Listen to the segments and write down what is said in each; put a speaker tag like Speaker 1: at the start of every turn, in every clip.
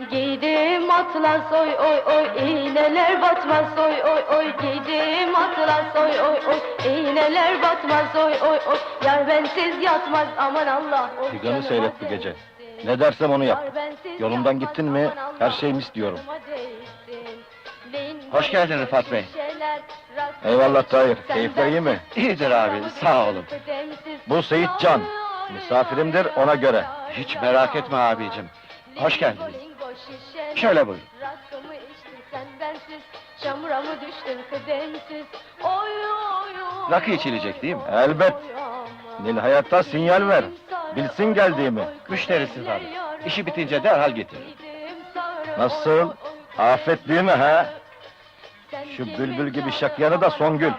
Speaker 1: Giydim atlas oy oy oy, iğneler batmaz oy oy oy. Giydim atlas oy oy oy, iğneler batmaz oy oy oy. Yar bensiz yatmaz aman Allah. Oy
Speaker 2: Figanı
Speaker 1: canıma
Speaker 2: seyret bu gece.
Speaker 1: değsin.
Speaker 2: Ne dersem onu yap.
Speaker 1: Yar bensiz
Speaker 2: Yolundan
Speaker 1: yatmaz,
Speaker 2: gittin mi,
Speaker 1: aman Allah.
Speaker 2: her şey mis diyorum.
Speaker 1: Canıma değsin.
Speaker 3: Hoş geldin Rıfat Bey.
Speaker 2: Eyvallah Tahir, keyifler iyi mi?
Speaker 3: İyidir abi, sağ olun.
Speaker 2: Bu Seyit Can, misafirimdir ona göre.
Speaker 3: Hiç merak etme abicim. Hoş geldiniz. Şöyle buyurun.
Speaker 1: Rakımı içtin sen bensiz, çamura mı düştün kıdemsiz? Oy oy oy.
Speaker 3: Rakı içilecek değil mi?
Speaker 2: Elbet.
Speaker 1: Oy aman.
Speaker 2: Nil Hayat'a sinyal ver. Bilsin geldiğimi.
Speaker 3: Müşterisiz abi. İşi bitince derhal getirin.
Speaker 2: Nasıl? Afet değil mi ha? Şu bülbül gibi şakyanı da Songül.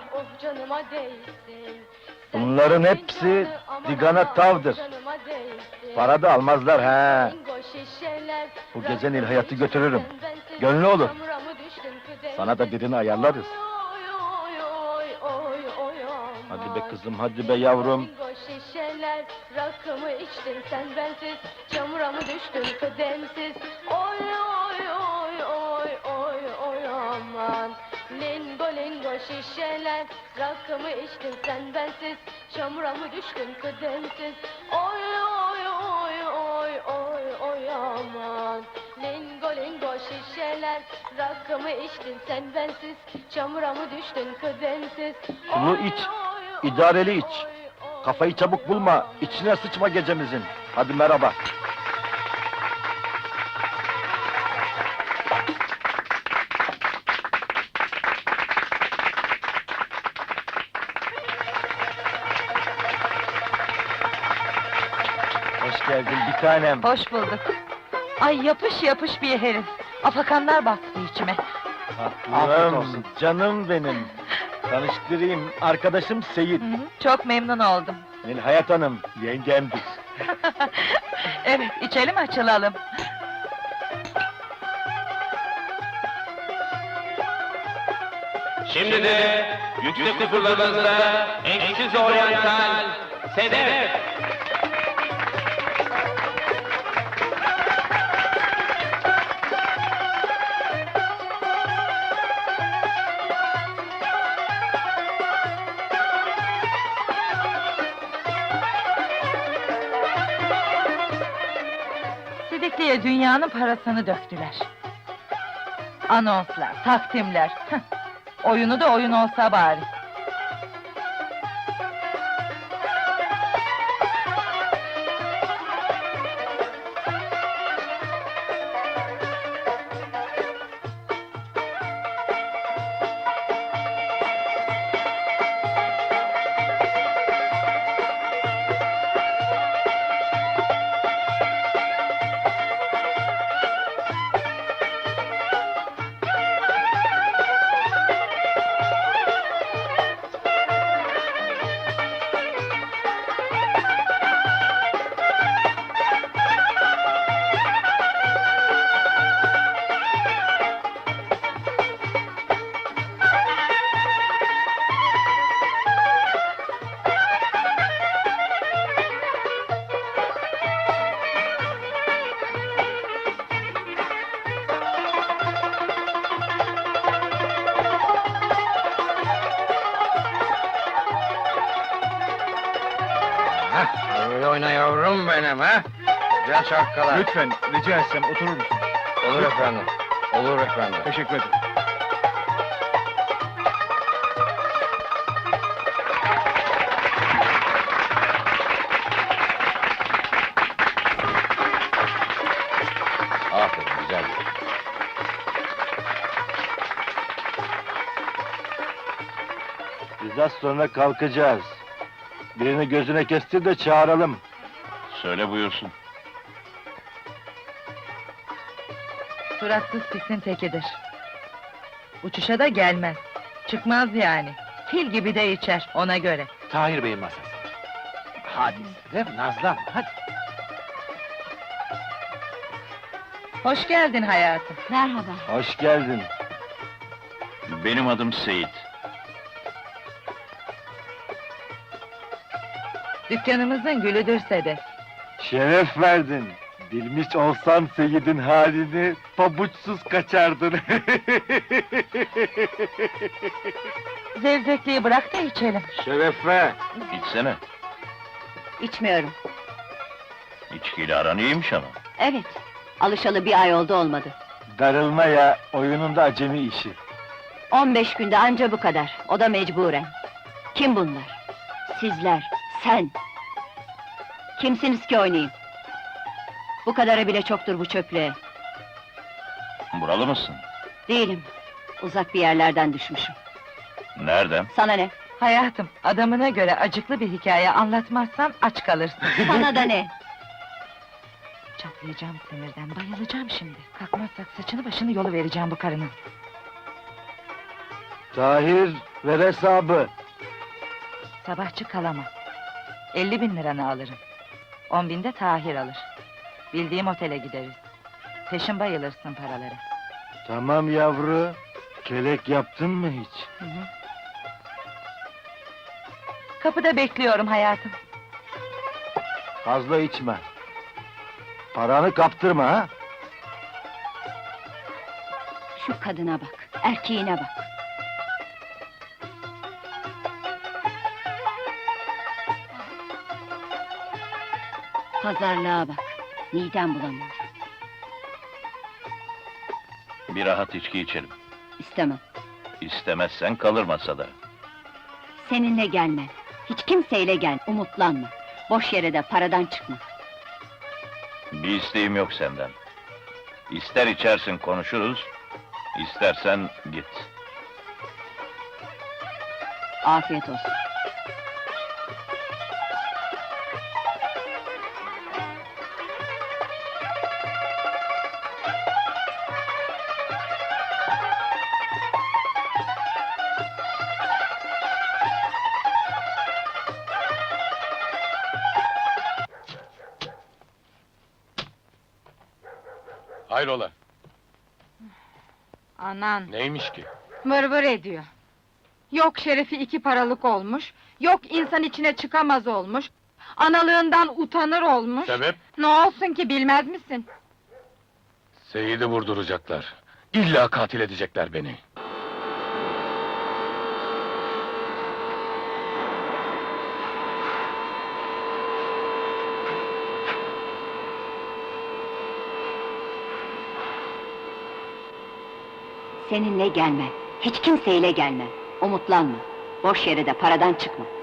Speaker 2: Bunların hepsi digana tavdır. Para da almazlar ha. Bu gece Nil Hayat'ı götürürüm. Gönlü olur. Sana da birini ayarlarız. Hadi be kızım, hadi be yavrum.
Speaker 1: Şişeler, rakımı içtin sen bensiz, çamura mı düştün kıdemsiz? Oy oy oy oy oy oy aman. Lingo lingo şişeler, rakımı içtin sen bensiz, çamura mı düştün kıdemsiz? Oy oy oy oy oy oy aman. Lingo lingo şişeler, rakımı içtin sen bensiz, çamura mı düştün kıdemsiz?
Speaker 2: Sulu iç, idareli iç. Kafayı çabuk bulma, içine sıçma gecemizin. Hadi merhaba. Hoş geldin bir tanem.
Speaker 4: Hoş bulduk. Ay yapış yapış bir herif. Afakanlar baktı içime.
Speaker 3: Afiyet
Speaker 2: Tatlım,
Speaker 3: olsun.
Speaker 2: canım benim. Tanıştırayım, arkadaşım Seyit.
Speaker 4: Hı hı, çok memnun oldum.
Speaker 2: Nil Hayat Hanım, yengemdir.
Speaker 4: Evet, içelim açılalım.
Speaker 5: Şimdi de yüksek huzurlarınızda eşsiz oryantal Sedef.
Speaker 4: Sidikli'ye dünyanın parasını döktüler. Anonslar, takdimler. hıh. Oyunu da oyun olsa bari.
Speaker 3: Öyle oyna yavrum benim ha. Güzel şarkılar.
Speaker 2: Lütfen, rica etsem oturur musun?
Speaker 3: Olur efendim. Olur efendim.
Speaker 2: Teşekkür ederim.
Speaker 3: Aferin, güzel.
Speaker 2: Biz az sonra kalkacağız. Birini gözüne kestir de çağıralım.
Speaker 5: Söyle buyursun.
Speaker 4: Suratsız pisin tekidir. Uçuşa da gelmez. Çıkmaz yani. Fil gibi de içer, ona göre.
Speaker 3: Tahir Bey'in masası. Hadi Sedef, nazlan, hadi.
Speaker 4: Hoş geldin hayatım.
Speaker 1: Merhaba.
Speaker 2: Hoş geldin.
Speaker 5: Benim adım Seyit.
Speaker 4: Dükkanımızın gülüdür Sedef.
Speaker 2: Şeref verdin. Bilmiş olsan Seyit'in halini, pabuçsuz kaçardın.
Speaker 4: Zevzekliği bırak da içelim.
Speaker 2: Şerefe!
Speaker 5: İçsene.
Speaker 6: İçmiyorum.
Speaker 5: İçkiyle aran iyiymiş ama.
Speaker 6: Evet. Alışalı bir ay olmadı.
Speaker 2: Darılma ya, oyununda acemi işi.
Speaker 6: 15 günde anca bu kadar. O da mecburen. Kim bunlar? Sizler, sen. Kimsiniz ki oynayayım? Bu kadarı bile çoktur bu çöplüğe.
Speaker 5: Buralı mısın?
Speaker 6: Değilim. Uzak bir yerlerden düşmüşüm.
Speaker 5: Nereden?
Speaker 6: Sana ne?
Speaker 4: Hayatım, adamına göre acıklı bir hikaye anlatmazsan aç kalırsın.
Speaker 6: Sana da ne?
Speaker 4: Çatlayacağım sinirden, bayılacağım şimdi. Kalkmazsak saçını başını yolu vereceğim bu karının.
Speaker 2: Tahir, ver hesabı.
Speaker 4: Sabahçı kalamam. 50.000 liranı alırım. 10.000 de Tahir alır. Bildiğim otele gideriz. Peşin bayılırsın paralara.
Speaker 2: Tamam yavru, kelek yaptın mı hiç?
Speaker 4: Hı hı. Kapıda bekliyorum hayatım.
Speaker 2: Fazla içme. Paranı kaptırma ha.
Speaker 6: Şu kadına bak, erkeğine bak. Pazarlığa bak, midem bulanıyor.
Speaker 5: Bir rahat içki içelim.
Speaker 6: İstemem.
Speaker 5: İstemezsen kalır masada.
Speaker 6: Seninle gelme. Hiç kimseyle gel, umutlanma. Boş yere de paradan çıkma.
Speaker 5: Bir isteğim yok senden. İster içersin konuşuruz, istersen git.
Speaker 6: Afiyet olsun.
Speaker 7: Hayrola,
Speaker 8: Anan,
Speaker 7: neymiş ki?
Speaker 8: vır ediyor. Yok şerefi 2 paralık olmuş, yok insan içine çıkamaz olmuş, analığından utanır olmuş.
Speaker 7: Sebep?
Speaker 8: Ne olsun ki bilmez misin?
Speaker 7: Seyit'i vurduracaklar. İlla katil edecekler beni.
Speaker 6: Seninle gelme. Hiç kimseyle gelme. Umutlanma. Boş yere de paradan çıkma.